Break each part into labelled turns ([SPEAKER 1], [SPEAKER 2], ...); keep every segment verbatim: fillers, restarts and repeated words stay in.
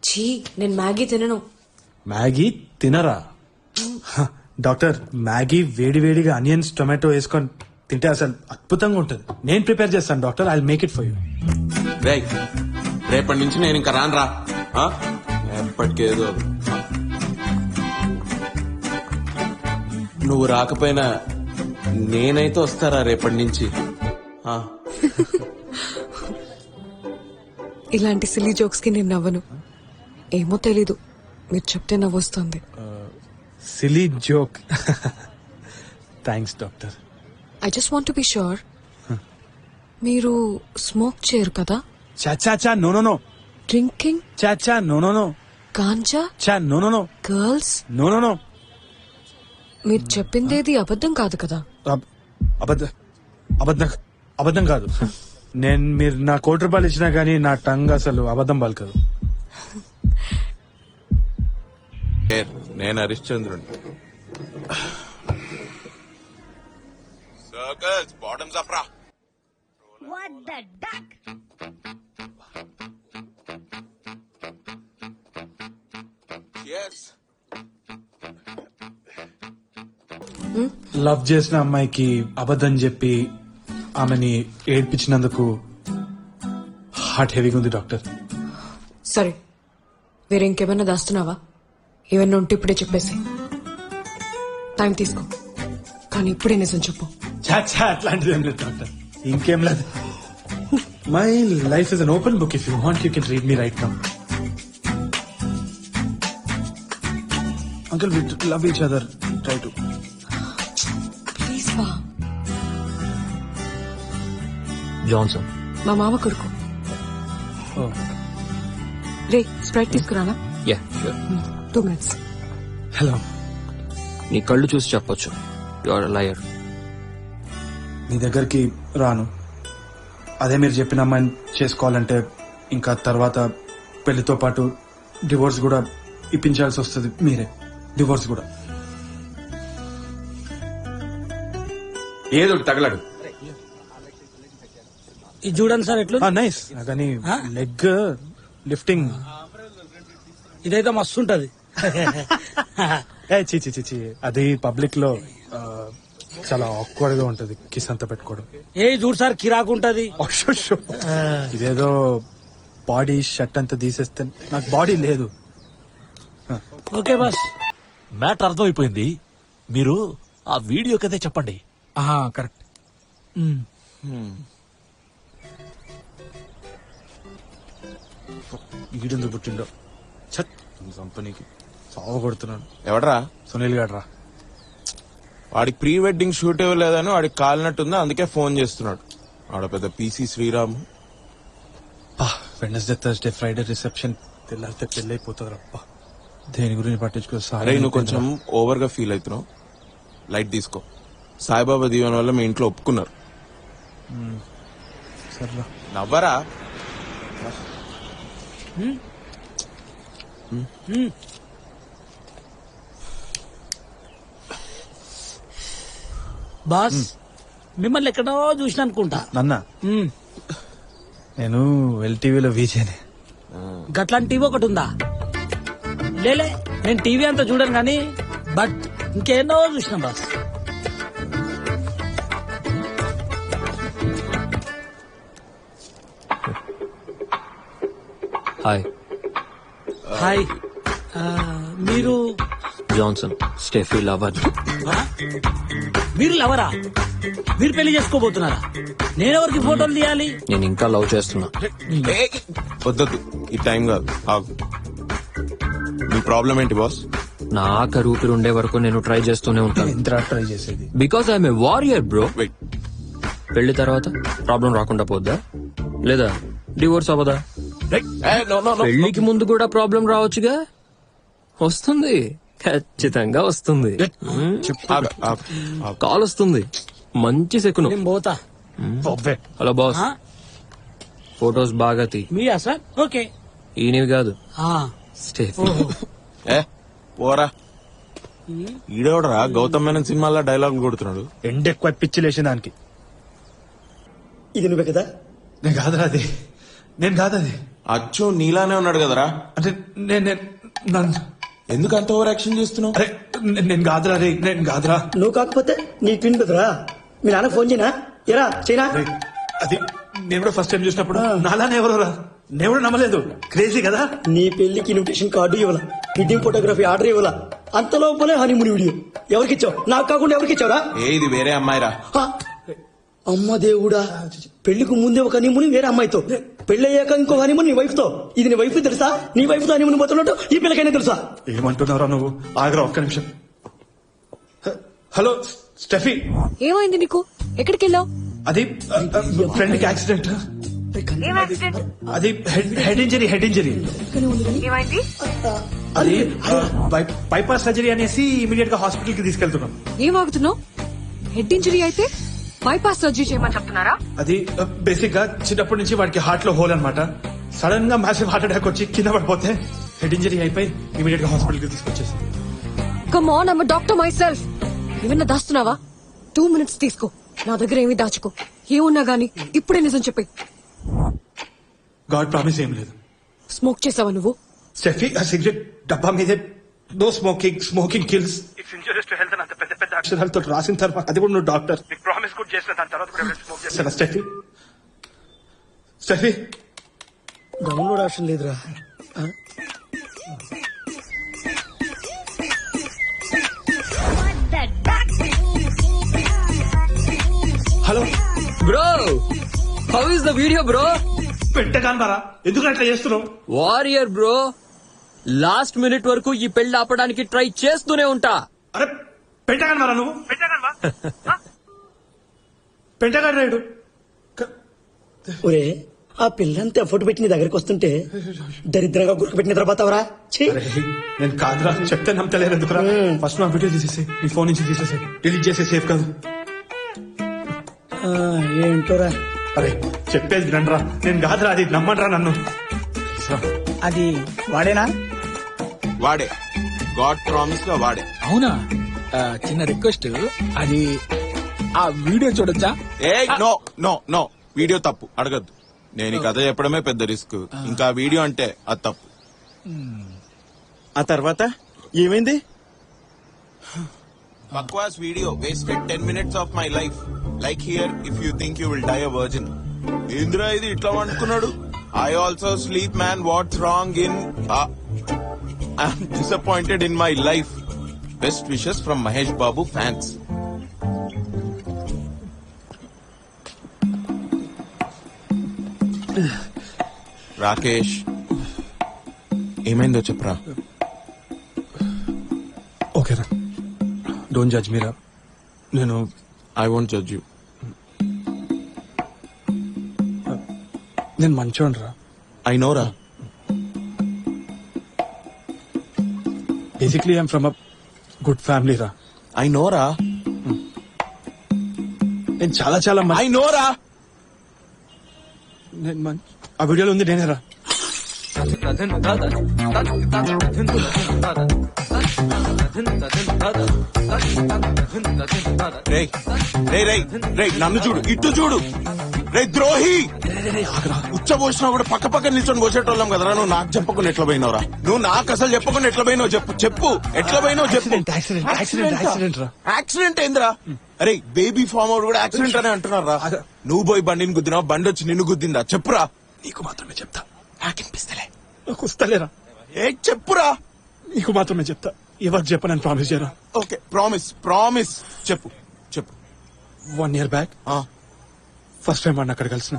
[SPEAKER 1] ఛీ నేను మ్యాగీ తినను.
[SPEAKER 2] మ్యాగీ తినరా? డాక్టర్, మ్యాగీ వేడి వేడిగా ఆనియన్స్ టొమాటో వేసుకొని తింటే అసలు అద్భుతంగా ఉంటుంది. నేను ప్రిపేర్ చేస్తాను doctor, I make it for you.
[SPEAKER 3] రేపటి నుంచి నేను ఇంకా రాను రా. ఎప్పటికేదో నువ్వు రాకపోయినా నేనైతే వస్తారా రేపటి నుంచి.
[SPEAKER 1] ఇలాంటి సిల్లీ జోక్స్ కి నేను నవ్వను. ఏమో తెలీదు, మీరు చెప్తే నవ్వొస్తుంది.
[SPEAKER 2] Silly joke. Thanks doctor.
[SPEAKER 1] I just want to be sure, మీరు స్మోక్ చేయరు కదా?
[SPEAKER 2] చాచా నో నో నో.
[SPEAKER 1] డ్రింకింగ్?
[SPEAKER 2] చాచా నో నో నో.
[SPEAKER 1] గాంజా?
[SPEAKER 2] చా no no no.
[SPEAKER 1] Girls?
[SPEAKER 2] No no no.
[SPEAKER 1] మీరు చెప్పిందేది అబద్ధం కాదు కదా?
[SPEAKER 2] అబద్ధం అబద్ధం అబద్ధం కాదు. నేను మీరు నా కోటి రూపాయలు ఇచ్చినా గానీ నా టంగ్ అసలు అబద్ధం పలకదు.
[SPEAKER 3] నేను హరిశ్చంద్రుని. సర్కల్స్ బాటమ్స్ అప్ రా.
[SPEAKER 4] What the duck?
[SPEAKER 3] Yes.
[SPEAKER 2] Love చేసిన అమ్మాయికి అబద్ధం చెప్పి ఆమెని ఏడ్పించినందుకు హార్ట్ హెవీగా ఉంది డాక్టర్.
[SPEAKER 1] సరే, వేరే ఇంకేమైనా దాస్తున్నావా? ఏమన్నా ఉంటే ఇప్పుడే చెప్పేసి. టైం తీసుకో, కానీ ఇప్పుడే నిజం చెప్పు.
[SPEAKER 2] చాచా అట్లాంటిది ఏం లేదు డాక్టర్, ఇంకేం లేదు. My life is an open book. If you want you can read me right now. Uncle, we love each other. Try to
[SPEAKER 1] please వా.
[SPEAKER 5] జాన్సన్
[SPEAKER 1] మా మామ కొడుకు. రే, స్ప్రైట్ తీసుకురానా?
[SPEAKER 5] Yeah sure.
[SPEAKER 1] Two minutes.
[SPEAKER 2] Hello.
[SPEAKER 5] నీ కళ్ళు చూసి చెప్పొచ్చు యు ఆర్ లయర్.
[SPEAKER 2] మీ దగ్గరికి రాను. అదే మీరు చెప్పిన అమ్మాయిని చేసుకోవాలంటే ఇంకా తర్వాత పెళ్లితో పాటు డివోర్స్ కూడా ఇప్పించాల్సి వస్తుంది. మీరే డివోర్స్ కూడా.
[SPEAKER 3] ఏదో తగలడు.
[SPEAKER 6] ఇది చూడండి సార్ ఎట్లు.
[SPEAKER 2] నైస్, కానీ లెగ్ లిఫ్టింగ్
[SPEAKER 6] ఇదైతే మస్తు ఉంటది.
[SPEAKER 2] ఏ చి చి చి అది పబ్లిక్ లో ఆ, చాలా ఆక్వర్డ్ గా ఉంటది కిస్ అంతా పెట్టుకోవడం.
[SPEAKER 6] ఏ చూడు సార్ కిరాకు ఉంటది.
[SPEAKER 2] అశ్శో, ఇదేదో బాడీ షర్ట్ అంతా తీసేస్తే నాకు బాడీ లేదు.
[SPEAKER 6] Okay bus.
[SPEAKER 7] మ్యాటర్ అర్థమైపోయింది. మీరు ఆ వీడియో కదే చెప్పండి.
[SPEAKER 6] కరెక్ట్.
[SPEAKER 2] ఈడెందుకు పుట్టిండో ఛత్ కంపెనీకి సాగు కొడుతున్నాడు.
[SPEAKER 3] ఎవడరా?
[SPEAKER 2] సునీల్ గారు రా.
[SPEAKER 3] వాడికి ప్రీ వెడ్డింగ్ షూట్ ఇవ్వలేదని వాడికి కాలినట్టుంది, అందుకే ఫోన్ చేస్తున్నాడు. ఆడ పెద్ద PC Sriram.
[SPEAKER 2] Wednesday Thursday Friday reception, తెల్లారితే పెళ్లి అయిపోతుంది రప్ప. దేని గురించి పట్టించుకో.
[SPEAKER 3] అరే నువ్వు కొంచెం ఓవర్ గా ఫీల్ అవుతున్నావు, లైట్ తీసుకో. సాయిబాబా దీవెన వల్ల మీ ఇంట్లో ఒప్పుకున్నారు.
[SPEAKER 2] సర్లా
[SPEAKER 3] నవ్వరా?
[SPEAKER 6] బాస్ మిమ్మల్ని ఎక్కడో చూసిన అనుకుంటా.
[SPEAKER 2] నన్న
[SPEAKER 6] మ్మ్.
[SPEAKER 2] నేను ఎల్టీవీలో వీజేనే.
[SPEAKER 6] గట్లాంటి టీవీ ఒకటి ఉందా? లేలే, నేను టీవీ అంతా చూడను కానీ బట్ ఇంకేందో చూసిన బాస్.
[SPEAKER 5] హాయ్.
[SPEAKER 6] హాయ్. ఆ, మీరు
[SPEAKER 5] జాన్సన్ స్టెఫీ లవర్.
[SPEAKER 6] ఆ? మీరు లవరా? మీరు పెళ్లి చేసుకోబోతున్నారా? నేనెవరికి ఫోటోలు తీయాలి?
[SPEAKER 5] నేను ఇంకా లవ్ చేస్తున్నా.
[SPEAKER 3] వద్దొద్దు, ఈ టైం కాదు, ఆగు. మీ ప్రాబ్లం ఏంటి బాస్?
[SPEAKER 5] నా ఆఖరి ఊపిరి ఉండే వరకు నేను ట్రై చేస్తూనే ఉంటాను.
[SPEAKER 2] ఎంత ట్రై చేసేది?
[SPEAKER 5] Because I'm a warrior bro.
[SPEAKER 3] Wait,
[SPEAKER 5] పెళ్లి తర్వాత ప్రాబ్లం రాకుండా పోద్దా, లేదా డివోర్స్ అవ్వదా? పెళ్లికి ముందు కూడా ప్రాబ్లం రావచ్చుగా. వస్తుంది, ఖచ్చితంగా వస్తుంది.
[SPEAKER 3] ఆగు, ఆగు, ఆగు.
[SPEAKER 5] కాల్ వస్తుంది, మంచి సెకును.
[SPEAKER 6] నేను పోతా.
[SPEAKER 5] హలో బాస్,
[SPEAKER 6] ఆ?
[SPEAKER 5] ఫొటోస్ బాగా తీ.
[SPEAKER 6] మీయా సార్? ఓకే.
[SPEAKER 5] ఈయనవి కాదు,
[SPEAKER 6] ఆ.
[SPEAKER 5] స్టెఫీ.
[SPEAKER 6] ఓహో.
[SPEAKER 3] ఏ పోరా, ఈడేవడరా గౌతమ్ మేనన్ సినిమాలో డైలాగులు కొడుతున్నాడు.
[SPEAKER 2] ఎండ ఎక్కువ పిచ్చి లేచి దానికి.
[SPEAKER 8] ఇది నువ్వే కదా?
[SPEAKER 2] నేను కాదురా అది, నేను కాదు అది.
[SPEAKER 3] అచ్చు నీలానే ఉన్నాడు కదరా.
[SPEAKER 2] అంటే నేను నేను నన్ను
[SPEAKER 3] ఎందుకు అంత ఓవర్ యాక్షన్ చేస్తున్నావు?
[SPEAKER 2] అరే నే- నేను కాదురా రే నేను కాదురా
[SPEAKER 8] నువ్వు కాకపోతే నీ ట్విన్ బెదరా మీ నాన్న ఫోన్ చేయనా ఎరా చేయనా
[SPEAKER 2] రే, అది నేను కూడా ఫస్ట్ టైం చూసినప్పుడు నాలానే ఎవరు రా నేను కూడా నమ్మలేదు. క్రేజీ కదా.
[SPEAKER 8] నీ పెళ్లికి ఇన్విటేషన్ కార్డు ఇవ్వాల వెడ్డింగ్ ఫోటోగ్రఫీ ఆర్డర్ ఇవ్వాల అంత లోపలే హనీమూన్ వీడియో ఎవరికి ఇచ్చావు? నాకు కాకుండా ఎవరికి ఇచ్చావురా?
[SPEAKER 3] ఏ ఇది వేరే అమ్మాయిరా.
[SPEAKER 8] ఆ, అమ్మ దేవుడా, పెళ్లికి ముందే ఒక హనీమూన్ వేరే అమ్మాయితో, పెళ్లి అయ్యాక ఇంకో హనీమూన్ నీ వైఫ్ తో. ఇది నీ వైఫ్ తెలుసా? నీ వైఫ్ తో హనీమూన్ పోతున్నట్టు ఈ పిల్లకైనా తెలుసా?
[SPEAKER 2] ఏమంటున్నారా నువ్వు? ఆగరా ఒక్క నిమిషం. హ- హలో స్టెఫీ,
[SPEAKER 1] ఏమైంది నీకు? ఎక్కడికి వెళ్ళావు?
[SPEAKER 2] అది ఫ్రెండ్ కి యాక్సిడెంట్. అది హెడ్ ఇంజరీ హెడ్ ఇంజరీ అది బైపాస్ సర్జరీ అనేసి ఇమీడియట్ గా హాస్పిటల్ కి తీసుకెళ్తున్నాం.
[SPEAKER 1] ఏం ఆగుతున్నావు? హెడ్ ఇంజరీ అయితే బైపాస్ సర్జరీ చేయమని చెప్తున్నారా?
[SPEAKER 2] అది బేసిక్ గా చిన్నప్పటి నుంచి వాడికి హార్ట్ లో హోల్ అనమాట. సడన్ గా మ్యాసివ్ హార్ట్ అటాక్ వచ్చి కింద పడిపోతే హెడ్ ఇంజరీ అయిపోయి ఇమీడియట్ గా హాస్పిటల్ కి తీసుకొచ్చేసి.
[SPEAKER 1] Come on, I'm doctor myself. ఏమన్నా దాస్తున్నావా? టూ మినిట్స్ తీసుకో, నా దగ్గర ఏమీ దాచుకో. ఏమున్నా గానీ ఇప్పుడే నిజం చెప్పి.
[SPEAKER 2] గాడ్ ప్రామిస్ ఏం లేదు.
[SPEAKER 1] స్మోక్ చేసావా నువ్వు?
[SPEAKER 2] స్టెఫీ ఆ సిగరెట్ డబ్బా మీదే no smoking smoking kills it's injurious to health అంత పెద్ద పెద్ద అక్షరాలతో రాసిన తర్వాత అది కూడా నువ్వు డాక్టర్ నీకు ప్రామిస్ కూడా చేసిన దాని తర్వాత కూడా స్మోక్ చేస్తాను. స్టెఫీ స్టెఫీ
[SPEAKER 8] డౌన్లోడ్ ఆప్షన్ లేదురా. ఆ?
[SPEAKER 4] What the duck?
[SPEAKER 2] Hello
[SPEAKER 5] bro, how is the video bro?
[SPEAKER 2] పెట్టగాను బారా ఎందుకు అట్లా చేస్తున్నావు?
[SPEAKER 5] వారియర్ బ్రో, లాస్ట్ మినిట్ వరకు ఈ పెళ్లి ఆపడానికి ట్రై చేస్తూనే ఉంటా.
[SPEAKER 2] అరే పెట్టగాను బారా నువ్వు పెట్టగాడు రాయుడు.
[SPEAKER 8] ఒరే, ఆ పిల్లంతా ఎఫర్ట్ పెట్టి నీ దగ్గరకు వస్తుంటే దరిద్రంగా గురికి పెట్టిన తర్వాతవరా? ఛీ!
[SPEAKER 2] అరే నేను కాదురా చెప్తే నమ్మతలేరు ఎందుకురా. ఫస్ట్ నా వీడియో తీసేసి నీ ఫోన్ నుంచి తీసేసి డిలీట్ చేసే సేఫ్ కాదు.
[SPEAKER 8] ఆ, ఏంటోరా
[SPEAKER 2] అరే చెప్పేది రండ్రా, నేను కాదురా అది నమ్మండ్రా నన్ను.
[SPEAKER 8] అది వాడేనా?
[SPEAKER 3] వాడే, గాడ్ ప్రామిస్ గా వాడే.
[SPEAKER 6] అవునా? ఆ, చిన్న రిక్వెస్ట్, అది ఆ వీడియో చూడొచ్చా?
[SPEAKER 3] ఏ నో నో నో వీడియో తప్పు, అడగద్దు. నేను ఈ కథ చెప్పడమే పెద్ద రిస్క్, ఇంకా వీడియో అంటే అది తప్పు.
[SPEAKER 9] ఆ తర్వాత ఏమైంది?
[SPEAKER 3] బక్వాస్ video wasted ten minutes of my life. Like here if you think you will die a virgin. Indra ఇది ఇట్లా అనుకున్నాడు. I also sleep man, what's wrong in I'm disappointed in my life. Best wishes from Mahesh Babu fans. Rakesh, ఏమైందో చెప్పరా.
[SPEAKER 2] ఓకేరా, don't judge మీరా. నేను
[SPEAKER 3] I won't judge you.
[SPEAKER 2] నేను మంచోడ్ని రా.
[SPEAKER 3] ఐ నో రా.
[SPEAKER 2] Basically I'm from a good family రా.
[SPEAKER 3] ఐ నో రా.
[SPEAKER 2] నేను చాలా చాలా మంచి-
[SPEAKER 3] ఐ నో రా.
[SPEAKER 2] నేను మంచి- ఆ వీడియోలో ఉంది నేనే రా.
[SPEAKER 3] రేయ్ రేయ్ రేయ్ రేయ్ నన్ను చూడు, ఇటు చూడు. రే ద్రోహి, ఉచ్చబోసినా కూడా పక్క పక్క నిల్చొని పోసేటోళ్ళం కదరా. నువ్వు నాకు చెప్పకుండా ఎట్లా పోయినావురా? నువ్వు నాకు అసలు చెప్పకుండా ఎట్లా పోయినావు చెప్పు చెప్పు ఎట్లా పోయినావు చెప్పు.
[SPEAKER 2] యాక్సిడెంట్ యాక్సిడెంట్ యాక్సిడెంట్ యాక్సిడెంట్ రా.
[SPEAKER 3] యాక్సిడెంట్ ఏందిరా? అరే బేబీ ఫామ్ అవుట్ కూడా యాక్సిడెంట్ అనే అంటున్నారా? నువ్వు పోయి బండిని గుద్దినావు, బండి వచ్చి నిన్ను గుద్దిందా? చెప్పురా.
[SPEAKER 2] నీకు మాత్రమే చెప్తా,
[SPEAKER 3] నాకు వినిపిస్తలే.
[SPEAKER 2] నాకు వస్తలేరా.
[SPEAKER 3] ఏ చెప్పురా.
[SPEAKER 2] నీకు మాత్రమే చెప్తా, ఎవరికి చెప్పనని ప్రామిస్ చేయరా.
[SPEAKER 3] ఓకే ప్రామిస్ ప్రామిస్ చెప్పు చెప్పు.
[SPEAKER 2] వన్ ఇయర్ బ్యాక్
[SPEAKER 3] ఆ,
[SPEAKER 2] ఫస్ట్ టైం వాడిని అక్కడ కలిసిన.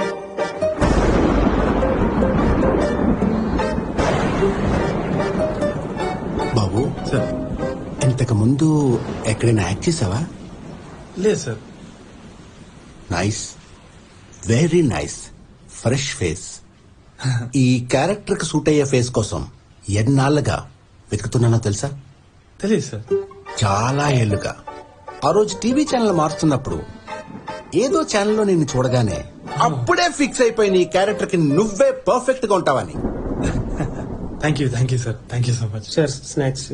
[SPEAKER 10] బాబు
[SPEAKER 2] సార్
[SPEAKER 10] ఇంతకు ముందు ఎక్కడైనా యాక్ట్ చేసావా?
[SPEAKER 2] లేదు sir.
[SPEAKER 10] Nice, very nice, fresh face. ఈ క్యారెక్టర్ కి సూట్ అయ్యే ఫేస్ కోసం ఎన్నాళ్ళుగా వెతుకుతున్నానో తెలుసా?
[SPEAKER 2] తెలియదు సార్.
[SPEAKER 10] చాలా ఏళ్లుగా. ఆ రోజు టీవీ ఛానల్ మారుతున్నప్పుడు ఏదో ఛానల్లో నిన్ను చూడగానే అప్పుడే ఫిక్స్ అయిపోయిన ఈ క్యారెక్టర్ కి నువ్వే పర్ఫెక్ట్ గా ఉంటావని.
[SPEAKER 2] Thank you thank you sir, thank you so much.
[SPEAKER 8] Sir snacks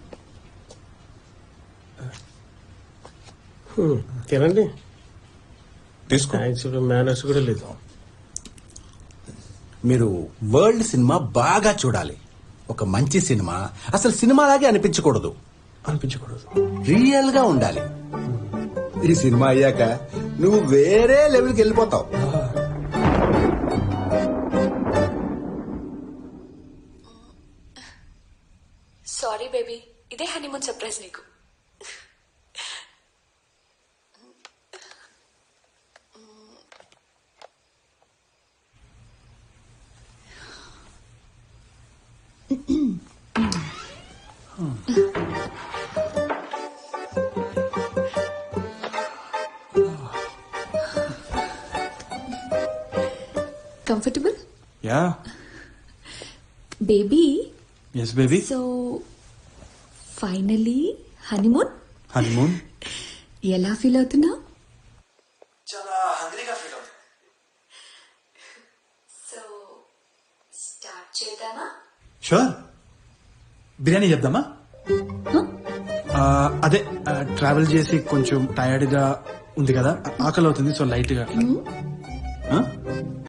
[SPEAKER 8] తినండి.
[SPEAKER 3] తీసుకో.
[SPEAKER 8] స్నాక్స్ మేనర్స్ కూడా లేదు.
[SPEAKER 10] మీరు వరల్డ్ సినిమా బాగా చూడాలి. ఒక మంచి సినిమా అసలు సినిమాలాగే అనిపించకూడదు,
[SPEAKER 2] అనిపించకూడదు.
[SPEAKER 10] రియల్ గా ఉండాలి. ఈ సినిమా అయ్యాక నువ్వు వేరే లెవెల్కి వెళ్ళిపోతావు.
[SPEAKER 1] సారీ బేబీ, ఇదే హనీమూన్ సర్ప్రైజ్ నీకు.
[SPEAKER 4] Comfortable
[SPEAKER 2] yeah.
[SPEAKER 4] Baby.
[SPEAKER 2] Yes baby.
[SPEAKER 4] So finally honeymoon.
[SPEAKER 2] Honeymoon.
[SPEAKER 4] ఎలా ఫీల్ అవుతున్నా?
[SPEAKER 2] చాలా హంగ్రీగా ఫీల్ అవుతుంది.
[SPEAKER 4] సో స్టార్ట్ చేద్దామా?
[SPEAKER 2] షూర్. బిర్యానీ చేద్దామా? ఆ, అదే ట్రావెల్ చేసి కొంచెం టైర్డ్ గా ఉంది కదా, ఆకలి అవుతుంది. సో లైట్ గా అట్లా. ఆ?